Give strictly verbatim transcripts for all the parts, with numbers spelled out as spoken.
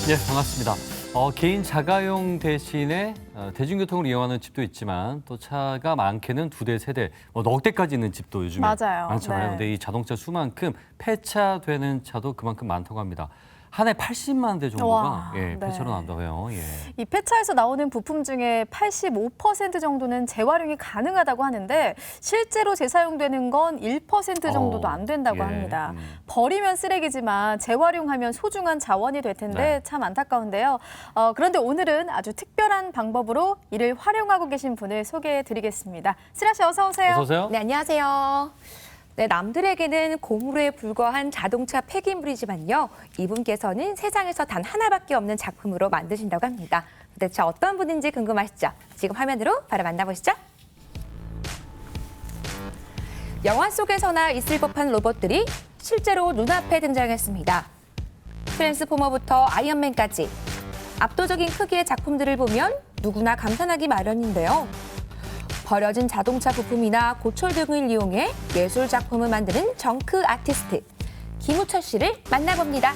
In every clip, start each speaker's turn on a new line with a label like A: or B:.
A: 예, 반갑습니다. 어, 개인 자가용 대신에 어, 대중교통을 이용하는 집도 있지만 또 차가 많게는 두 대, 세 대, 뭐 넉 대까지 있는 집도 요즘에
B: 맞아요.
A: 많잖아요.
B: 네.
A: 근데 이 자동차 수만큼 폐차되는 차도 그만큼 많다고 합니다. 한 해 팔십만 대 정도가
B: 와,
A: 예,
B: 네.
A: 폐차로 난다고 해요. 예.
B: 이 폐차에서 나오는 부품 중에 팔십오 퍼센트 정도는 재활용이 가능하다고 하는데 실제로 재사용되는 건 일 퍼센트 정도도
A: 어,
B: 안 된다고
A: 예,
B: 합니다.
A: 음.
B: 버리면 쓰레기지만 재활용하면 소중한 자원이 될 텐데
A: 네.
B: 참 안타까운데요. 어, 그런데 오늘은 아주 특별한 방법으로 이를 활용하고 계신 분을 소개해드리겠습니다. 슬아 씨 어서 오세요.
A: 어서 오세요.
C: 네, 안녕하세요. 네, 남들에게는 고무로에 불과한 자동차 폐기물이지만요. 이분께서는 세상에서 단 하나밖에 없는 작품으로 만드신다고 합니다. 도대체 어떤 분인지 궁금하시죠? 지금 화면으로 바로 만나보시죠. 영화 속에서나 있을 법한 로봇들이 실제로 눈앞에 등장했습니다. 트랜스포머부터 아이언맨까지 압도적인 크기의 작품들을 보면 누구나 감탄하기 마련인데요. 버려진 자동차 부품이나 고철 등을 이용해 예술 작품을 만드는 정크 아티스트 김우철 씨를 만나봅니다.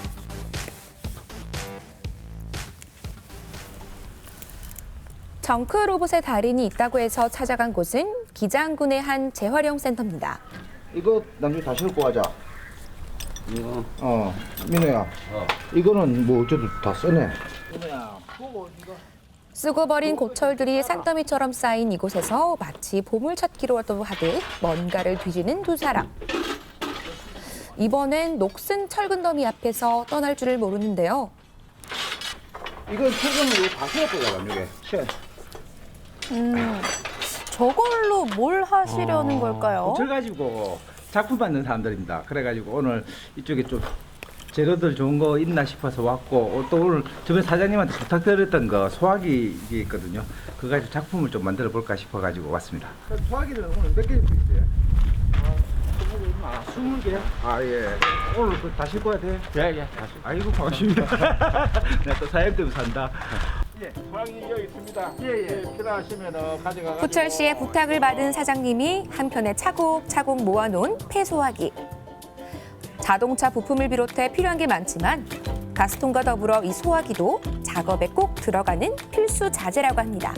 C: 정크 로봇의 달인이 있다고 해서 찾아간 곳은 기장군의 한 재활용 센터입니다.
D: 이거 나중에 다시 갖고 가자.
E: 이거
D: 어, 민호야. 이거는 뭐 어쩌도 다 쓰네. 민호야, 보고 이거.
C: 쓰고 버린 고철들이 산더미처럼 쌓인 이곳에서 마치 보물찾기로도 하듯 뭔가를 뒤지는 두 사람. 이번엔 녹슨 철근 더미 앞에서 떠날 줄을 모르는데요.
D: 이건 최근으로 다 세웠더라고, 이게. 쉐.
B: 음, 저걸로 뭘 하시려는 걸까요?
E: 고철 가지고 작품 만드는 사람들입니다. 그래가지고 오늘 이쪽에 좀 재료들 좋은 거 있나 싶어서 왔고 또 오늘 저번 사장님한테 부탁드렸던 거 소화기 이게 있거든요. 그거 가지고 작품을 좀 만들어 볼까 싶어가지고 왔습니다. 소화기는 오늘 몇 개 있어요? 아, 스무 개요? 아, 예. 오늘 그 다 싣고 와야 돼? 예, 예. 다시. 아이고, 반갑습니다. 내가 또 사장님 때문에 산다.
D: 예, 소화기 여기 있습니다. 예, 예. 필요하시면 가져가.
C: 후철 씨의 부탁을 받은 사장님이 한편에 차곡차곡 모아놓은 폐소화기. 자동차 부품을 비롯해 필요한 게 많지만 가스통과 더불어 이 소화기도 작업에 꼭 들어가는 필수 자재라고 합니다.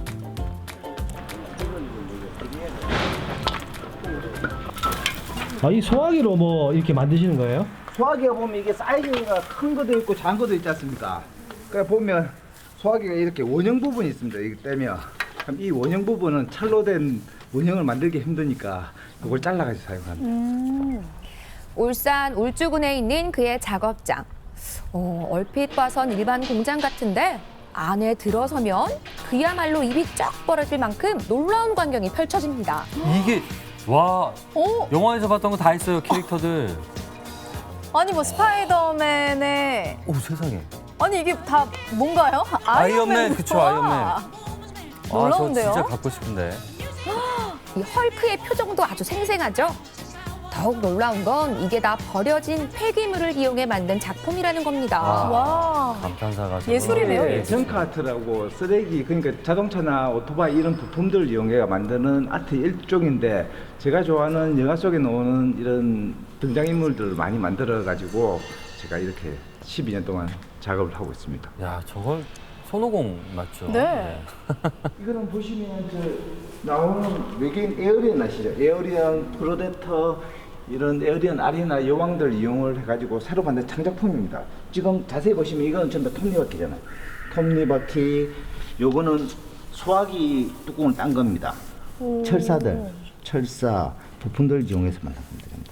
F: 아, 이 소화기로 뭐 이렇게 만드시는 거예요?
E: 소화기가 보면 이게 사이즈가 큰 것도 있고 작은 것도 있지 않습니까? 그래 보면 소화기가 이렇게 원형 부분이 있습니다. 이거 떼면. 그럼 이 원형 부분은 찰로 된 원형을 만들기 힘드니까 이걸 잘라가지고 사용합니다.
B: 음,
C: 울산 울주군에 있는 그의 작업장. 어, 얼핏 봐선 일반 공장 같은데 안에 들어서면 그야말로 입이 쫙 벌어질 만큼 놀라운 광경이 펼쳐집니다.
A: 이게 와
B: 오,
A: 영화에서 봤던 거 다 있어요 캐릭터들.
B: 아니 뭐 스파이더맨의
A: 오 세상에.
B: 아니 이게 다 뭔가요?
A: 아이언맨, 그쵸, 아이언맨.
B: 와,
A: 아,
B: 놀라운데요?
A: 저 진짜 갖고 싶은데.
C: 이 헐크의 표정도 아주 생생하죠? 더욱 놀라운 건 이게 다 버려진 폐기물을 이용해 만든 작품이라는 겁니다.
A: 와.
B: 와,
A: 감탄사가 정말.
B: 예술이네요,
E: 네,
B: 예술.
E: 정크아트라고 쓰레기 그러니까 자동차나 오토바이 이런 부품들을 이용해 만드는 아트 일종인데 제가 좋아하는 영화 속에 나오는 이런 등장인물들을 많이 만들어 가지고 제가 이렇게 십이 년 동안 작업을 하고 있습니다.
A: 야 저걸 손오공 맞죠?
B: 네.
E: 이거는 보시면 저 나오는 외계인 에어리언 아시죠? 에어리언, 프로데터 이런 에어리언 아리나 여왕들 이용을 해가지고 새로 만든 창작품입니다. 지금 자세히 보시면 이거는 전부 다 톱니바퀴잖아요. 톱니바퀴, 요거는 소화기 뚜껑을 딴 겁니다. 철사들, 철사 부품들 이용해서 만든 겁니다.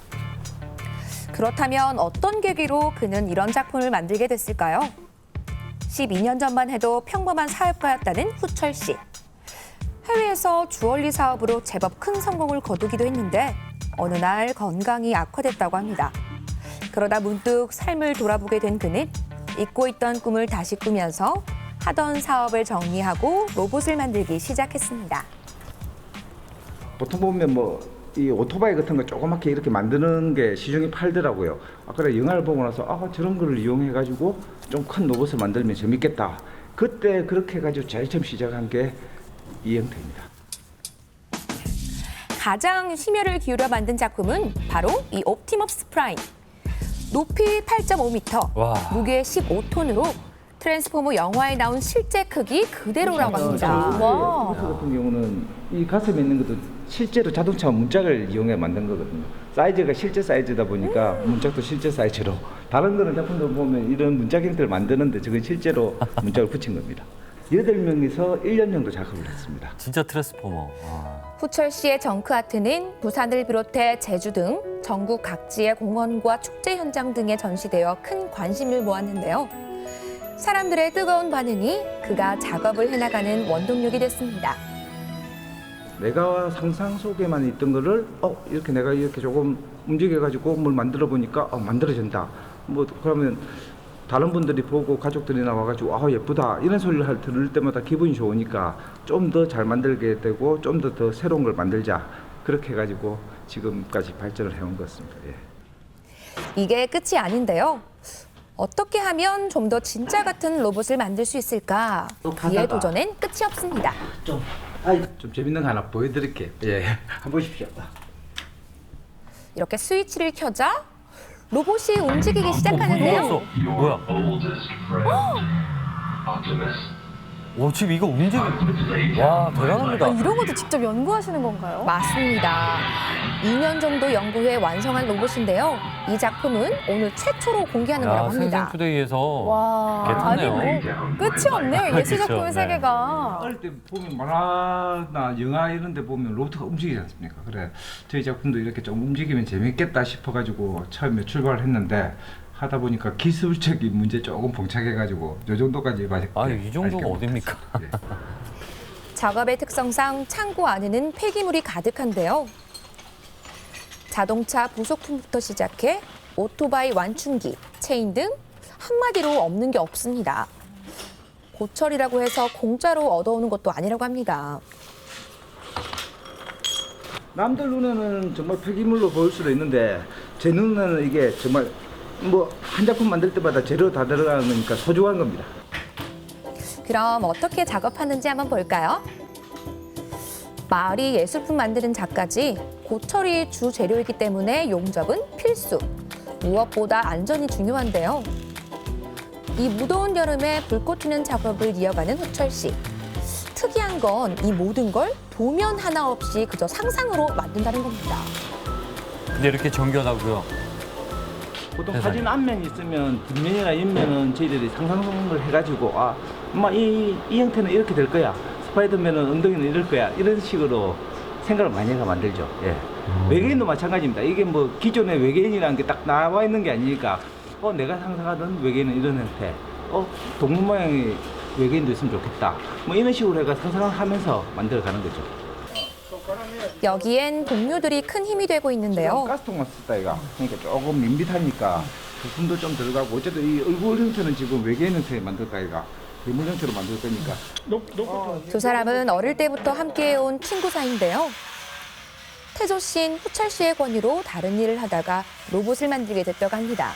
C: 그렇다면 어떤 계기로 그는 이런 작품을 만들게 됐을까요? 십이 년 전만 해도 평범한 사업가였다는 후철 씨. 해외에서 주얼리 사업으로 제법 큰 성공을 거두기도 했는데 어느 날 건강이 악화됐다고 합니다. 그러다 문득 삶을 돌아보게 된 그는 잊고 있던 꿈을 다시 꾸면서 하던 사업을 정리하고 로봇을 만들기 시작했습니다.
E: 보통 보면 뭐 이 오토바이 같은 거 조그맣게 이렇게 만드는 게 시중에 팔더라고요. 아, 그래 영화를 보고 나서 아 저런 거를 이용해 가지고 좀 큰 로봇을 만들면 재밌겠다. 그때 그렇게 해가지고 제일 처음 시작한 게 이 형태입니다.
C: 가장 심혈을 기울여 만든 작품은 바로 이 옵티머스 프라임. 높이 팔 점 오 미터,
A: 와.
C: 무게 십오 톤으로 트랜스포머 영화에 나온 실제 크기 그대로라고 합니다.
B: 와.
E: 가스 같은 경우는 이 가슴에 있는 것도 실제로 자동차 문짝을 이용해 만든 거거든요. 사이즈가 실제 사이즈다 보니까 문짝도 실제 사이즈로. 다른 거는 작품들 보면 이런 문짝 형태를 만드는데 저건 실제로 문짝을 붙인 겁니다. 여덟 명이서 일 년 정도 작업을 했습니다.
A: 진짜 트랜스포머. 아.
C: 후철 씨의 정크아트는 부산을 비롯해 제주 등 전국 각지의 공원과 축제 현장 등에 전시되어 큰 관심을 모았는데요. 사람들의 뜨거운 반응이 그가 작업을 해나가는 원동력이 됐습니다.
E: 내가 상상 속에만 있던 거를 어 이렇게 내가 이렇게 조금 움직여가지고 뭘 만들어 보니까 어 만들어진다. 뭐 그러면 다른 분들이 보고 가족들이 나와가지고 아 예쁘다 이런 소리를 할- 들을 때마다 기분이 좋으니까 좀 더 잘 만들게 되고 좀 더 더 새로운 걸 만들자 그렇게 해가지고 지금까지 발전을 해온 것 같습니다. 예.
C: 이게 끝이 아닌데요. 어떻게 하면 좀 더 진짜 같은 로봇을 만들 수 있을까? 그의 도전엔 끝이 없습니다.
E: 좀, 아이, 좀 재밌는 거 하나 보여드릴게요. 예, 한번 보십시오.
C: 이렇게 스위치를 켜자 로봇이 움직이기 시작하는데요.
A: 어, 뭐야? 오, 지금 이거 움직이. 와, 대단합니다.
B: 아, 이런 것도 직접 연구하시는 건가요?
C: 맞습니다. 이 년 정도 연구해 완성한 로봇인데요. 이 작품은 오늘 최초로 공개하는
A: 야,
C: 거라고 합니다.
A: 생생투데이에서
B: 와,
A: 괜찮네요.
B: 아니 뭐 끝이 없네요. 예술 작품의
A: 그렇죠, 네.
B: 세계가.
E: 어릴 때 보면 만화나 영화 이런 데 보면 로봇가 움직이지 않습니까? 그래 저희 작품도 이렇게 좀 움직이면 재밌겠다 싶어가지고 처음에 출발을 했는데 하다 보니까 기술적인 문제 조금 봉착해가지고 요 정도까지 맛있게
A: 아, 이 정도가 어딥니까?
E: 예.
C: 작업의 특성상 창고 안에는 폐기물이 가득한데요. 자동차 부속품부터 시작해 오토바이 완충기, 체인 등 한마디로 없는 게 없습니다. 고철이라고 해서 공짜로 얻어오는 것도 아니라고 합니다.
E: 남들 눈에는 정말 폐기물로 보일 수도 있는데 제 눈에는 이게 정말 뭐 한 작품 만들 때마다 재료 다 들어가는 거니까 소중한 겁니다.
C: 그럼 어떻게 작업하는지 한번 볼까요? 마을이 예술품 만드는 작가지 고철이 주 재료이기 때문에 용접은 필수. 무엇보다 안전이 중요한데요. 이 무더운 여름에 불꽃 튀는 작업을 이어가는 후철 씨. 특이한 건 이 모든 걸 도면 하나 없이 그저 상상으로 만든다는 겁니다.
A: 근데 이렇게 정교하고요.
E: 보통
A: 세상에.
E: 사진 앞면이 있으면 뒷면이나 옆면은 저희들이 상상을 해가지고 아, 엄마 이, 이 형태는 이렇게 될 거야. 스파이더맨은 엉덩이는 이럴 거야. 이런 식으로 생각을 많이 해서 만들죠. 예. 외계인도 마찬가지입니다. 이게 뭐 기존의 외계인이라는 게 딱 나와 있는 게 아니니까 어 내가 상상하던 외계인은 이런 형태. 어 동물 모양의 외계인도 있으면 좋겠다. 뭐 이런 식으로 해가 상상을 하면서 만들어가는 거죠.
C: 여기엔 동료들이 큰 힘이 되고 있는데요.
E: 가스통만 썼다 이가. 그러니까 조금 밋밋하니까 부품도 좀 들어가고 어쨌든 이 얼굴 형태는 지금 외계인 형태 만들까 이가. 괴물 형태로 만들 거니까.
C: 두 사람은 어릴 때부터 함께해온 친구 사이인데요. 태조 씨는 후철 씨의 권유로 다른 일을 하다가 로봇을 만들게 됐다고 합니다.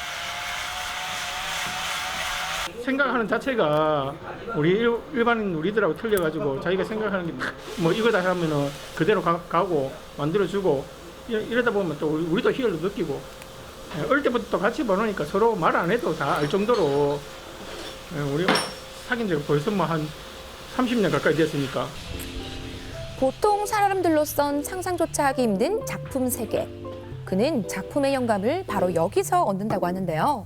G: 생각하는 자체가 우리 일, 일반인 우리들하고 틀려가지고 자기가 생각하는 게 뭐 이거다 하면은 그대로 가, 가고 만들어주고 이러, 이러다 보면 또 우리, 우리도 희열도 느끼고 예, 어릴 때부터 같이 보니까 서로 말 안 해도 다 알 정도로 예, 우리 사귄 지가 벌써 뭐 한 삼십 년 가까이 됐으니까.
C: 보통 사람들로선 상상조차 하기 힘든 작품 세계. 그는 작품의 영감을 바로 여기서 얻는다고 하는데요.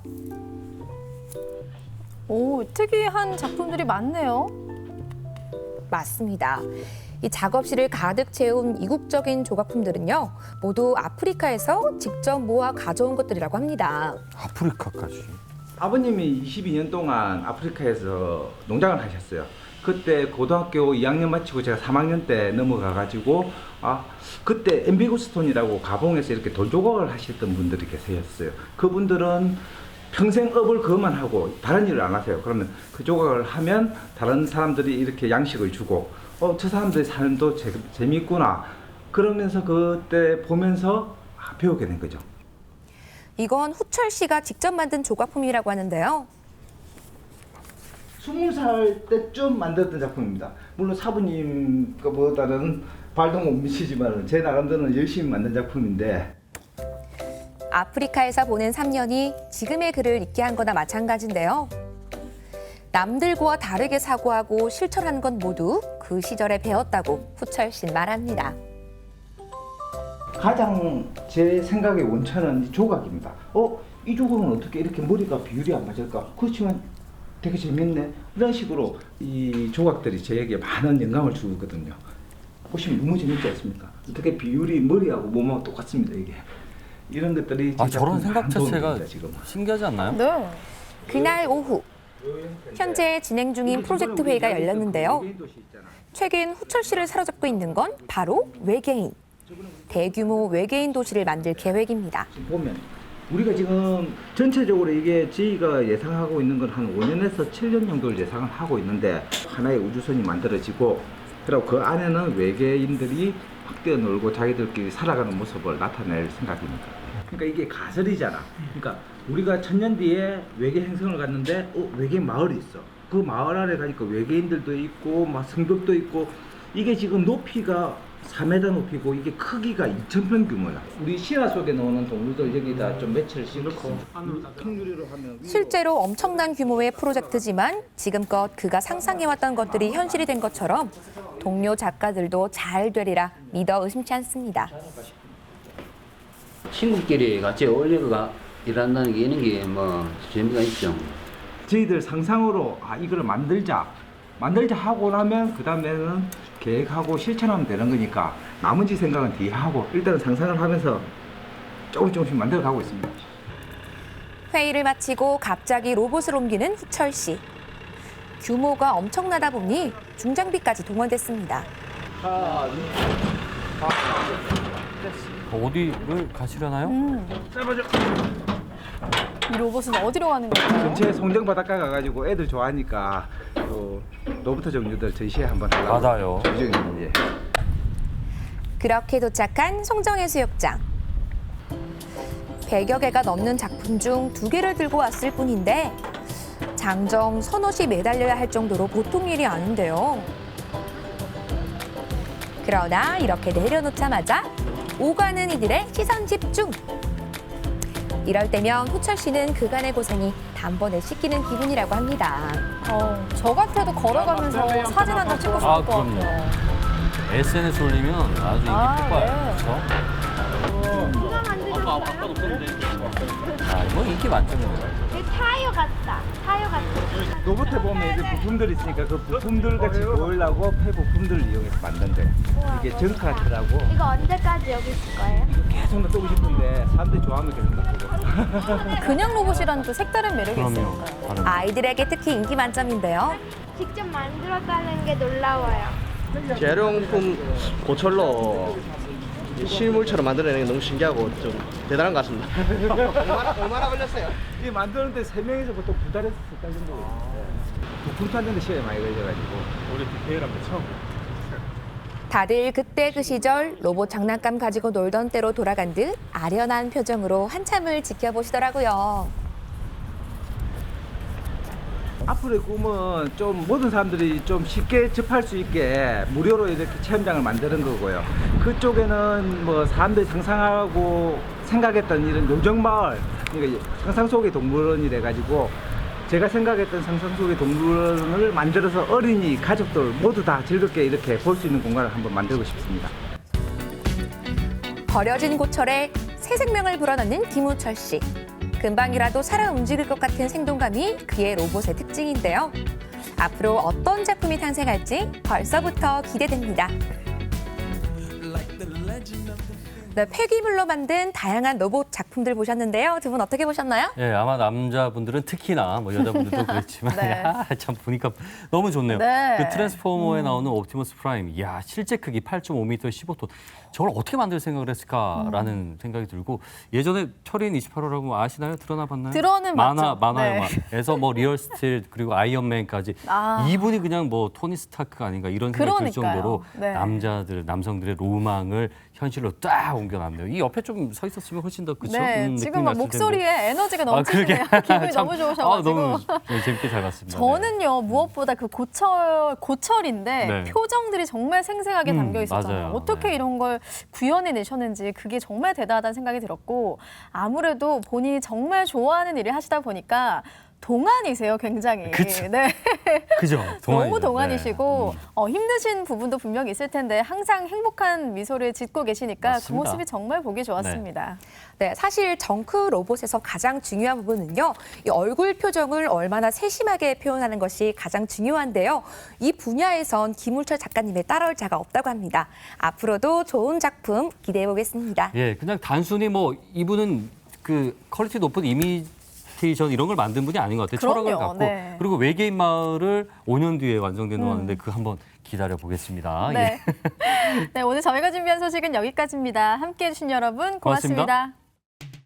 B: 오, 특이한 작품들이 많네요.
C: 맞습니다. 이 작업실을 가득 채운 이국적인 조각품들은요, 모두 아프리카에서 직접 모아 가져온 것들이라고 합니다.
A: 아프리카까지.
E: 아버님이 이십이 년 동안 아프리카에서 농장을 하셨어요. 그때 고등학교 이 학년 마치고 제가 삼 학년 때 넘어가가지고 아 그때 엠비고스톤이라고 가봉에서 이렇게 돌조각을 하셨던 분들이 계셨어요. 그분들은 평생 업을 그것만 하고 다른 일을 안 하세요. 그러면 그 조각을 하면 다른 사람들이 이렇게 양식을 주고 어 저 사람들의 삶도 재, 재미있구나 그러면서 그때 보면서 아, 배우게 된 거죠.
C: 이건 후철 씨가 직접 만든 조각품이라고 하는데요.
E: 스물 살 때쯤 만들었던 작품입니다. 물론 사부님 거보다는 발동 못 미치지만 제 나름대로는 열심히 만든 작품인데
C: 아프리카에서 보낸 삼 년이 지금의 그를 있게 한 거나 마찬가지인데요. 남들과 다르게 사고하고 실천한 건 모두 그 시절에 배웠다고 후철 씨는 말합니다.
D: 가장 제 생각의 원천은 이 조각입니다. 어? 이 조각은 어떻게 이렇게 머리가 비율이 안 맞을까? 그렇지만 되게 재밌네. 이런 식으로 이 조각들이 저에게 많은 영감을 주거든요. 보시면 너무 재밌지 않습니까? 어떻게 비율이 머리하고 몸하고 똑같습니다, 이게. 이런 것들이
A: 아
D: 제
A: 저런
D: 작품의
A: 생각 자체가
D: 감동입니다, 지금.
A: 신기하지 않나요?
B: 네.
C: 그날 오후 현재 진행 중인 프로젝트 회의가 열렸는데요. 최근 후철 씨를 사로잡고 있는 건 바로 외계인. 대규모 외계인 도시를 만들 계획입니다.
D: 지금 보면 우리가 지금 전체적으로 이게 저희가 예상하고 있는 건 한 오 년에서 칠 년 정도를 예상을 하고 있는데 하나의 우주선이 만들어지고 그리고 그 안에는 외계인들이 확 뛰어놀고 자기들끼리 살아가는 모습을 나타낼 생각입니다. 그러니까 이게 가설이잖아. 그러니까 우리가 천년 뒤에 외계 행성을 갔는데 어, 외계인 마을이 있어. 그 마을 안에 가니까 외계인들도 있고 막 성벽도 있고 이게 지금 높이가 사 미터 높이고 이게 크기가 이천 평 규모야. 우리 신화 속에 나오는 동물들 여기다 좀 매체를 씌워놓고 통유리로 하면
C: 실제로 엄청난 규모의 프로젝트지만 지금껏 그가 상상해왔던 것들이 현실이 된 것처럼 동료 작가들도 잘 되리라 믿어 의심치 않습니다.
H: 친구끼리 같이 어울려가 일한다는 게 이런 게 뭐 재미가 있죠.
D: 저희들 상상으로 아 이거를 만들자 만들자 하고 나면 그 다음에는 계획하고 실천하면 되는 거니까 나머지 생각은 뒤에 하고 일단은 상상을 하면서 조금 조금씩 만들어 가고 있습니다.
C: 회의를 마치고 갑자기 로봇을 옮기는 후철 씨. 규모가 엄청나다 보니 중장비까지 동원됐습니다.
A: 어디를 가시려나요?
B: 음. 이 로봇은 어디로 가는 건가요?
E: 근처에 송정 바닷가 가가지고 애들 좋아하니까 또 로봇 종류들 전시회 한번 하려고
A: 맞아요.
E: 예정입니다. 예.
C: 그렇게 도착한 송정해수욕장. 백여 개가 넘는 작품 중 두 개를 들고 왔을 뿐인데 장정 서너시 매달려야 할 정도로 보통 일이 아닌데요. 그러나 이렇게 내려놓자마자 오가는 이들의 시선 집중. 이럴 때면 후철 씨는 그간의 고생이 단번에 씻기는 기분이라고 합니다.
B: 어, 저 같아도 걸어가면서 사진 한 장 찍고 싶을
A: 아,
B: 것
A: 그럼요.
B: 같아요.
A: 에스엔에스 올리면 아주 인기
B: 아,
A: 폭발.
B: 네.
A: 그렇죠? 아, 이거 인기 만점이에요.
I: 타이어 같다. 타이어 같다.
E: 로봇에 보면 이제 부품들이 있으니까 그 부품들 같이 보이려고 폐 부품들을 이용해서 만든대. 이게 정카트라고
I: 이거 언제까지 여기 있을 거예요?
E: 계속 놔두고 싶은데 사람들이 좋아하면 계속 놔두고.
B: 그냥 로봇이라는 또 색다른 매력이
A: 그럼요.
B: 있으니까요.
A: 다른
C: 아이들에게 특히 인기 만점인데요.
I: 직접 만들었다는 게 놀라워요.
J: 재활용품 고철로 실물처럼 만들어내는 게 너무 신기하고 좀 대단한 것 같습니다. 얼마나, 얼마나 걸렸어요?
E: 이 만드는데 세 명이서 보통 두 달에서 세 달 정도 걸리는데 부품 찾는 데 시간이 많이 걸려가지고 우리 디테일한 거 처음.
C: 다들 그때 그 시절 로봇 장난감 가지고 놀던 때로 돌아간 듯 아련한 표정으로 한참을 지켜보시더라고요.
E: 앞으로의 꿈은 좀 모든 사람들이 좀 쉽게 접할 수 있게 무료로 이렇게 체험장을 만드는 거고요. 그쪽에는 뭐 사람들이 상상하고 생각했던 이런 요정마을, 그러니까 상상 속의 동물원이래 가지고 제가 생각했던 상상 속의 동물원을 만들어서 어린이, 가족들 모두 다 즐겁게 이렇게 볼 수 있는 공간을 한번 만들고 싶습니다.
C: 버려진 고철에 새 생명을 불어넣는 김우철 씨. 금방이라도 살아 움직일 것 같은 생동감이 그의 로봇의 특징인데요. 앞으로 어떤 작품이 탄생할지 벌써부터 기대됩니다. 네, 폐기물로 만든 다양한 로봇 작품들 보셨는데요. 두 분 어떻게 보셨나요?
A: 예, 아마 남자분들은 특히나 뭐 여자분들도 그렇지만
B: 네.
A: 야, 참 보니까 너무 좋네요.
B: 네.
A: 그 트랜스포머에 나오는 옵티머스 프라임, 이야 실제 크기 팔 점 오 미터 십오 톤. 저걸 어떻게 만들 생각을 했을까라는
B: 음.
A: 생각이 들고 예전에 철인 이십팔 호라고 아시나요? 드러나 봤나요?
B: 들어는
A: 만화
B: 봤죠.
A: 만화
B: 네.
A: 영화에서 뭐 리얼 스틸 그리고 아이언맨까지
B: 아.
A: 이분이 그냥 뭐 토니 스타크가 아닌가 이런 생각이 들
B: 그러니까요.
A: 정도로
B: 네.
A: 남자들 남성들의 로망을 현실로 딱 옮겨놨네요. 이 옆에 좀 서 있었으면 훨씬 더 그쵸?
B: 네,
A: 음,
B: 지금
A: 느낌이
B: 막
A: 났을 텐데.
B: 목소리에 에너지가
A: 아, 그러게.
B: 넘치시네요. 기분이
A: 참,
B: 너무 좋으셔가지고.
A: 아, 너무 네, 재밌게 잘 봤습니다.
B: 저는요 무엇보다 그 고철 고철인데
A: 네.
B: 표정들이 정말 생생하게
A: 음,
B: 담겨 있었잖아요.
A: 맞아요.
B: 어떻게
A: 네.
B: 이런 걸 구현해내셨는지 그게 정말 대단하다는 생각이 들었고 아무래도 본인이 정말 좋아하는 일을 하시다 보니까 동안이세요, 굉장히.
A: 그쵸.
B: 네.
A: 그죠? 동안이죠.
B: 너무 동안이시고
A: 네. 음.
B: 어, 힘드신 부분도 분명히 있을 텐데 항상 행복한 미소를 짓고 계시니까
A: 맞습니다.
B: 그 모습이 정말 보기 좋았습니다.
C: 네, 사실 정크 로봇에서 가장 중요한 부분은요, 이 얼굴 표정을 얼마나 세심하게 표현하는 것이 가장 중요한데요. 이 분야에선 김울철 작가님의 따라올 자가 없다고 합니다. 앞으로도 좋은 작품 기대해 보겠습니다.
A: 예, 그냥 단순히 뭐 이분은 그 퀄리티 높은 이미테이션 이런 걸 만든 분이 아닌 것 같아요.
B: 그럼요,
A: 철학을 갖고.
B: 네.
A: 그리고 외계인 마을을 오 년 뒤에 완성되는
B: 음.
A: 거 하는데 그 한번 기다려 보겠습니다.
B: 네. 네, 오늘 저희가 준비한 소식은 여기까지입니다. 함께해 주신 여러분 고맙습니다.
A: 고맙습니다.